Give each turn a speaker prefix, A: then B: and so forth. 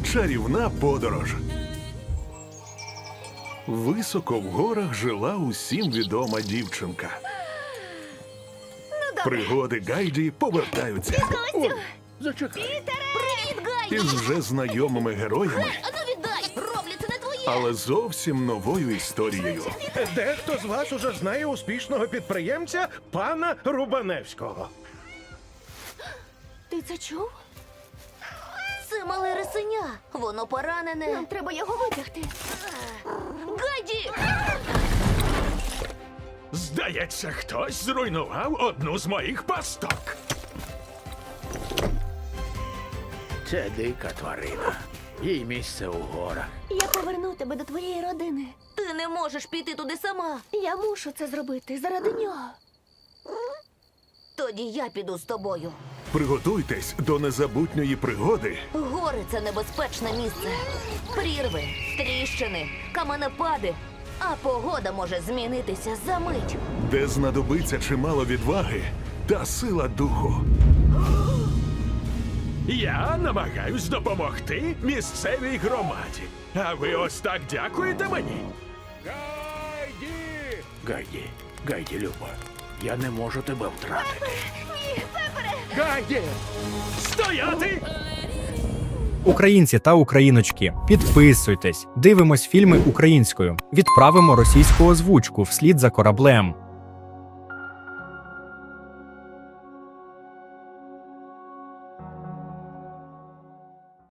A: Чарівна подорож. Високо в горах жила усім відома дівчинка. Пригоди Гайді повертаються
B: Зачекай.
C: Привіт, Гайді!
A: із вже знайомими героями,
C: А ну віддай! Роблю, це не твоє!
A: але зовсім новою історією.
B: Дехто з вас уже знає успішного підприємця пана Рубаневського.
C: Ти це чув? Це мале рисеня. Воно поранене. Нам треба його витягти. Гайді!
D: Здається, хтось зруйнував одну з моїх пасток.
E: Це дика тварина. Їй місце у горах.
C: Я поверну тебе до твоєї родини. Ти не можеш піти туди сама. Я мушу це зробити заради нього. Тоді я піду з тобою.
A: Приготуйтесь до незабутньої пригоди,
C: Гори – це небезпечне місце. Прірви, тріщини, каменепади. А погода може змінитися за мить.
A: де знадобиться чимало відваги та сила духу.
D: Я намагаюсь допомогти місцевій громаді. А ви ось так дякуєте мені?
E: Гайді, Люба, я не можу тебе втратити.
D: Гайді! Стояти!
F: Українці та україночки, підписуйтесь, дивимось фільми українською, відправимо російську озвучку вслід за кораблем.